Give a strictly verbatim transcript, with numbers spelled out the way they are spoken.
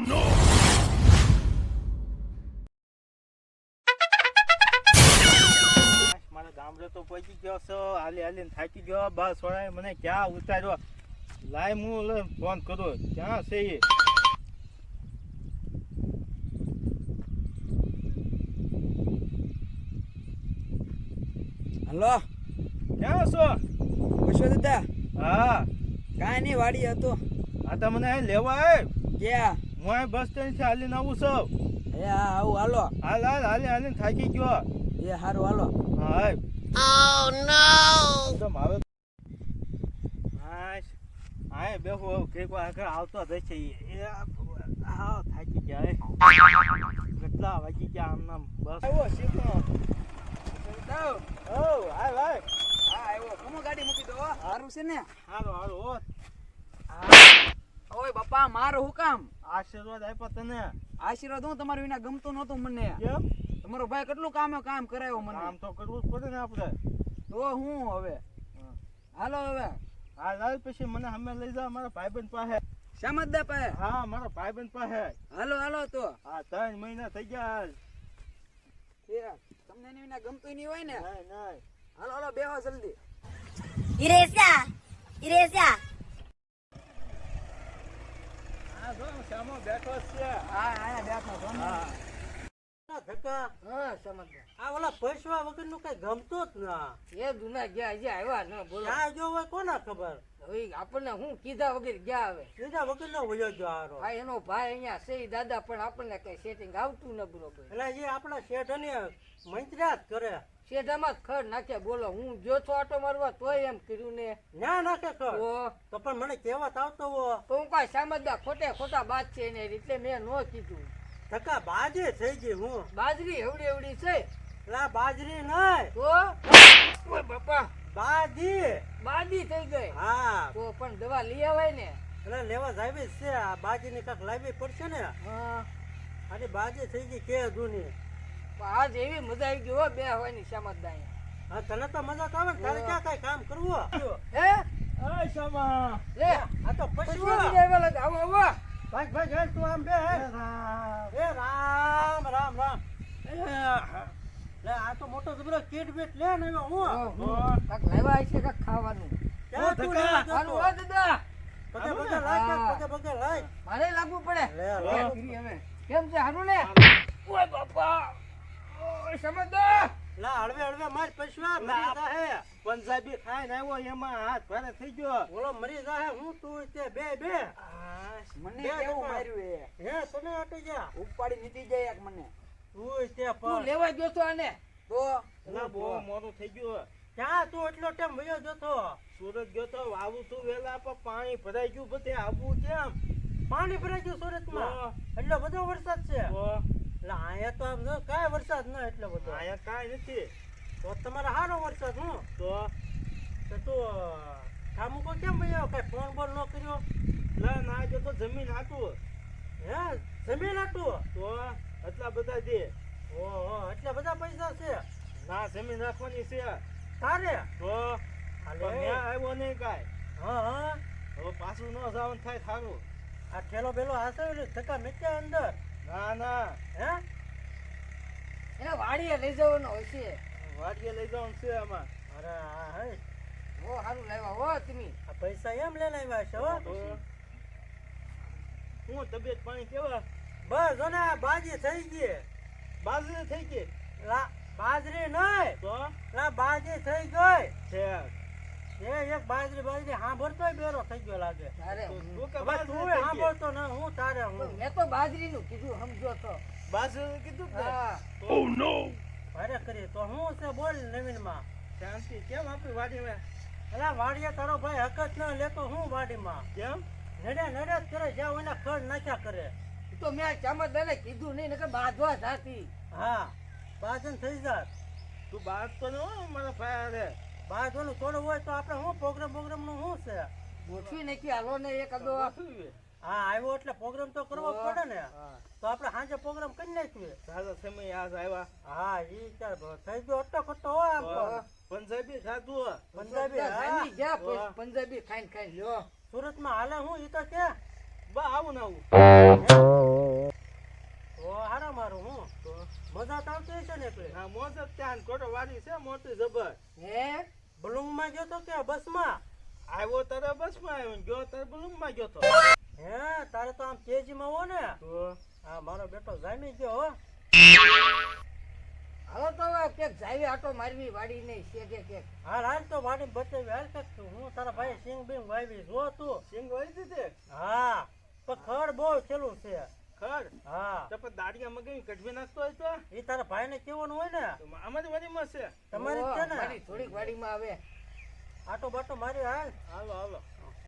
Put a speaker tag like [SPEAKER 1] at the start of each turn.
[SPEAKER 1] નો મારા ગામડે તો પહોંચી ગયો છો હાલી હાલીને થાકી ગયો બસ વળાય મને ક્યાં ઉતાર્યો લાય હું ફોન કરું ક્યાં છે એ
[SPEAKER 2] હલો
[SPEAKER 1] ક્યાં છો
[SPEAKER 2] પૂછો દાદા
[SPEAKER 1] હા
[SPEAKER 2] કાંઈ નહીં વાડી હતો
[SPEAKER 1] આ તો મને અહીં લેવા આવ
[SPEAKER 2] ક્યાં
[SPEAKER 1] હું અહીં બસ સ્ટેન્ડ થી હાલીને આવું છું
[SPEAKER 2] એ હા આવું હાલો
[SPEAKER 1] હાલ હાલ હાલી હાલીને થાકી ગયો
[SPEAKER 2] એ સારું હાલો
[SPEAKER 1] હા
[SPEAKER 3] Oh no!
[SPEAKER 1] એકદમ આવે હાશ આય બેહો કેક આગળ આવતો જ છે એ હા થાકી ગયા કેટલા વાગી ગયા આમ નામ બસ આવ્યો શીખો
[SPEAKER 2] દાવ
[SPEAKER 1] ઓ હાય હાય
[SPEAKER 2] હા આવ્યો કમો ગાડી મૂકી દો સારું છે ને
[SPEAKER 1] હાલો હાલો ઓ
[SPEAKER 2] ઓય બાપા મારો હું કામ
[SPEAKER 1] આશીર્વાદ આપ્યો તને
[SPEAKER 2] આશીર્વાદ હું તમારું વિના ગમતું નહોતું મને
[SPEAKER 1] કેમ
[SPEAKER 2] તમારો ભાઈ કેટલું કામ કામ કરાયો મને
[SPEAKER 1] કામ તો કરવું જ પડે ને આપણે
[SPEAKER 2] તો હું હવે હાલો હવે
[SPEAKER 1] હા લાલ પછી મને અમે લઈ જાવ મારા ભાઈબંધ પાસે
[SPEAKER 2] શામતદા પાસે
[SPEAKER 1] હા મારા ભાઈબંધ પાસે
[SPEAKER 2] હાલો હાલો તો
[SPEAKER 1] હા ત્રણ મહિના થઈ ગયા
[SPEAKER 2] એ તમને એની વિના ગમતું નહીં હોય ને
[SPEAKER 1] નહીં નહીં
[SPEAKER 2] હાલો હાલો બેહો જલ્દી
[SPEAKER 3] Iresia! Iresia!
[SPEAKER 1] હા જો સામો બેઠો જ છે
[SPEAKER 2] હા આયા બેઠો છો ને
[SPEAKER 1] હા
[SPEAKER 4] ધક્કા
[SPEAKER 2] હા શામતદા
[SPEAKER 4] આ ઓલા પૈસા વગર નું કઈ ગમતો જ ના
[SPEAKER 2] એ દુના ગયા હજી આવ્યા ન બોલો
[SPEAKER 4] ક્યાં જો હોય કોના ખબર
[SPEAKER 2] હવે આપણને હું કીધા વગર ગયા આવે
[SPEAKER 4] બીજા વગર નો વયો જો હારો
[SPEAKER 2] હા એનો ભાઈ અહીંયા છે દાદા પણ આપણને કઈ સેટિંગ આવતું ન બરોબર
[SPEAKER 4] એટલે જે આપણા શેઠ ને મંત્ર્યા જ કરે
[SPEAKER 2] શેઢામાં જ ખડ નાખ્યા બોલો હું જો છો આટો મારવા તોય એમ કર્યું ને
[SPEAKER 4] ના નાખે કર
[SPEAKER 2] તો
[SPEAKER 4] તો પણ મને કહેવત આવતો હો
[SPEAKER 2] તો હું કઈ સામજદાર ખોટે ખોટા બાદ છે ને એટલે મેં ન કીધું
[SPEAKER 4] ધક્કા બાજે થઈ ગઈ હું
[SPEAKER 2] બાજરી એવડી એવડી છે
[SPEAKER 4] એટલે બાજરી નહીં
[SPEAKER 2] તો ઓય બાપા
[SPEAKER 4] બાજી
[SPEAKER 2] બાદી થઈ ગઈ
[SPEAKER 4] હા
[SPEAKER 2] તો પણ દવા લઈ આવાય ને
[SPEAKER 4] એટલે લેવા જાવી છે આ બાજી ની કાંક લાવવી પડશે ને
[SPEAKER 2] હા
[SPEAKER 4] આની બાજી થઈ ગઈ કે જૂની
[SPEAKER 2] આજ એવી મજા આવી ગઈ હો બે હવાની સામજદાર
[SPEAKER 4] હા તને તો મજા તો આવે ને તારે ક્યાં કઈ કામ કરવું
[SPEAKER 2] હે
[SPEAKER 1] અય શામા
[SPEAKER 2] લે
[SPEAKER 4] આ તો
[SPEAKER 2] પછી
[SPEAKER 4] પશુ
[SPEAKER 2] આવ્યા લાગે આવો આવો
[SPEAKER 4] ભાઈ ભાઈ હાલ તું આમ બે હાલ. એ રામ રામ રામ લે આ તો મોટો જબરો કીટ બીટ લે ને હું
[SPEAKER 2] કાક લાવ્યા છે કાક ખાવાનું
[SPEAKER 4] ક્યાં તું
[SPEAKER 1] ધક્કા.
[SPEAKER 4] લેવા
[SPEAKER 2] હાલો
[SPEAKER 4] જતો?
[SPEAKER 2] હો દાદા
[SPEAKER 4] પગે પગે લાય
[SPEAKER 2] હા.
[SPEAKER 4] પગે પગે લાય
[SPEAKER 2] મારે લાગવું પડે
[SPEAKER 4] લે, લે.
[SPEAKER 2] કેમ કરી હવે? કેમ છે હારું ને ઓય બાપા ઓય સમજદાર
[SPEAKER 4] લા હળવે હળવે માર પૈસા મરી જાહે
[SPEAKER 1] પંજાબી ખાઈને આવ્યો એમાં હાથ ભારે થઈ ગયો
[SPEAKER 4] ઓલો મરી જાહે હું તું તે બે બે
[SPEAKER 2] મને
[SPEAKER 4] બે
[SPEAKER 2] કેવું
[SPEAKER 4] ટકા.
[SPEAKER 2] માર્યું એ
[SPEAKER 4] હે તને હટી જા
[SPEAKER 2] ઉપાડી નીકળી જાય એક મને
[SPEAKER 4] તું તે
[SPEAKER 2] તું
[SPEAKER 4] પણ
[SPEAKER 2] લેવા ગયો તો આને તો
[SPEAKER 1] ના બહુ મોડું થઈ ગયું
[SPEAKER 4] ક્યાં તું એટલો ટાઈમ વયો જતો
[SPEAKER 1] સુરત ગયો તો આવું તું વેલા પણ પાણી ભરાઈ ગયું બધે આવું કેમ
[SPEAKER 4] પાણી ભરાઈ ગયું સુરતમાં
[SPEAKER 1] તો.
[SPEAKER 4] એટલો બધો વરસાદ છે
[SPEAKER 1] તો
[SPEAKER 4] એટલે અહીંયા તો આમ જો કાંઈ વરસાદ ન એટલો બધો
[SPEAKER 1] અહીંયા કાંઈ નથી
[SPEAKER 4] તો તમારે સારો વરસાદ હું
[SPEAKER 1] તો
[SPEAKER 4] તો તું ઠામુકો કેમ ભૈયા કઈ ફોન બોલ ન કર્યો
[SPEAKER 1] ના ના જો તો જમીન હાટું
[SPEAKER 4] હે જમીન હતું
[SPEAKER 1] તો એટલા બધા દે
[SPEAKER 4] ઓહો એટલા બધા પૈસા છે
[SPEAKER 1] ના જમીન રાખવાની છે
[SPEAKER 4] તારે
[SPEAKER 1] તો
[SPEAKER 4] હાલે.
[SPEAKER 1] પણ ન્યા આવ્યો નહીં કાંઈ
[SPEAKER 4] હા હા
[SPEAKER 1] હવે પાછું ન જવાનું થાય સારું
[SPEAKER 4] આ ઠેલો બેલો હાસે ધક્કા મેચ્યા અંદર
[SPEAKER 1] ના ના
[SPEAKER 4] હે
[SPEAKER 2] એને વાડીએ લઈ જવાનો હોય છે
[SPEAKER 1] વાડીએ લઈ જવાનું છે આમાં
[SPEAKER 4] અરે આ હે
[SPEAKER 2] ઓ હારું લાવ્યા હો તમે
[SPEAKER 4] આ પૈસા એમ લઈને આવ્યા છે હો
[SPEAKER 1] તો હું તબિયત પાણી કેવા
[SPEAKER 4] બસ જો ને આ બાજી થઈ ગઈ
[SPEAKER 1] બાજરી થઈ ગઈ
[SPEAKER 4] લા બાજરી નહીં
[SPEAKER 1] તો
[SPEAKER 4] લા બાજી થઈ ગઈ
[SPEAKER 1] છે
[SPEAKER 4] એ એક બાજરી બાજરી સાંભળતોય બેરો થઈ ગયો લાગે
[SPEAKER 2] તારે
[SPEAKER 1] તું
[SPEAKER 2] હું-
[SPEAKER 1] કે
[SPEAKER 4] હવે
[SPEAKER 1] બાજરી
[SPEAKER 4] તું
[SPEAKER 1] થઈ ગઈ?
[SPEAKER 4] સાંભળતો ન હું તારે હું
[SPEAKER 2] મેં તો બાજરીનું કીધું સમજો તો
[SPEAKER 1] બાજરી કીધું કે
[SPEAKER 2] હા
[SPEAKER 1] ઓ નો
[SPEAKER 4] ભારે કરી તો હું છે બોલ નવીનમાં
[SPEAKER 1] શાંતિ કેમ આપી વાડીમાં
[SPEAKER 4] અલા વાડીએ તારો ભાઈ હકત ન લેતો હું વાડીમાં
[SPEAKER 1] કેમ
[SPEAKER 4] નડે નડે જ કરે જ્યાં એના ખડ નાખ્યા કરે
[SPEAKER 2] ઈ તો મેં ચામતદારને કીધું નહીં નકર બાંધવા જાતી
[SPEAKER 4] હા બાજન થઈ જાત
[SPEAKER 1] તું બાદ તો ન હો મારા ભાઈ હારે.
[SPEAKER 4] બાજવાનું થોડું હોય તો આપણે શું પ્રોગ્રામ પ્રોગ્રામ નું શું છે
[SPEAKER 2] ગોઠવી નાખી હાલો ને એક અદો
[SPEAKER 1] ગોઠવીએ.
[SPEAKER 4] હા આવ્યો એટલે પ્રોગ્રામ તો કરવો જ પડે ને
[SPEAKER 1] હા
[SPEAKER 4] તો આપણે સાંજે પ્રોગ્રામ કરી નાખીએ
[SPEAKER 1] સારો સમય આજ આવ્યા
[SPEAKER 4] હા ઈ ચાલ ભ- થઈ ગયો અટ્ટો ખટ્ટો હોય આમ તો.
[SPEAKER 1] પંજાબી ખાધું
[SPEAKER 4] પંજાબી હા.
[SPEAKER 2] જામી ગયા
[SPEAKER 1] વાહ.
[SPEAKER 2] પછી પંજાબી ખાઈને ખાઈને લ્યો
[SPEAKER 4] સુરતમાં હાલે હું ઈ તો કે
[SPEAKER 1] બા આવું ને આવું
[SPEAKER 4] એટલે
[SPEAKER 1] હા મોજ જ ત્યાં ખોટો વાડી છે મોટી જબર
[SPEAKER 2] હે
[SPEAKER 4] બલુંગમાં ગયો તો કે બસમાં
[SPEAKER 1] આવ્યો તારે બસ માં આવ્યો ગયો તારે બલૂમ માં ગયો તો
[SPEAKER 4] હે તારે તો આમ તેજીમાં હો ને
[SPEAKER 1] તો
[SPEAKER 4] હા મારો બેટો જામી ગયો હો
[SPEAKER 2] હાલો તો હવે કેક જાવી આટો મારવી વાડી નહીં શેઠે કેક
[SPEAKER 4] હાલ હાલ તો વાડી બચાવી હાલ કાક તું હું તારા ભાઈ સિંગ બિંગ વાવી જો તું
[SPEAKER 1] સિંગ વળી દીધે
[SPEAKER 4] હા પણ ખડ બહુ છેલું છે
[SPEAKER 1] ખડ
[SPEAKER 4] હા
[SPEAKER 1] તો પણ દાડિયા મગાવી કઢવી નાખતો હોય તો
[SPEAKER 4] એ તારા ભાઈને કેવાનું હોય ને
[SPEAKER 1] તો અમારી વાડીમાં છે
[SPEAKER 4] તમારી જ છે ને
[SPEAKER 2] વાડી થોડીક વાડીમાં આવે
[SPEAKER 4] આટો બાટો મારી હાલ
[SPEAKER 1] હાલો હાલો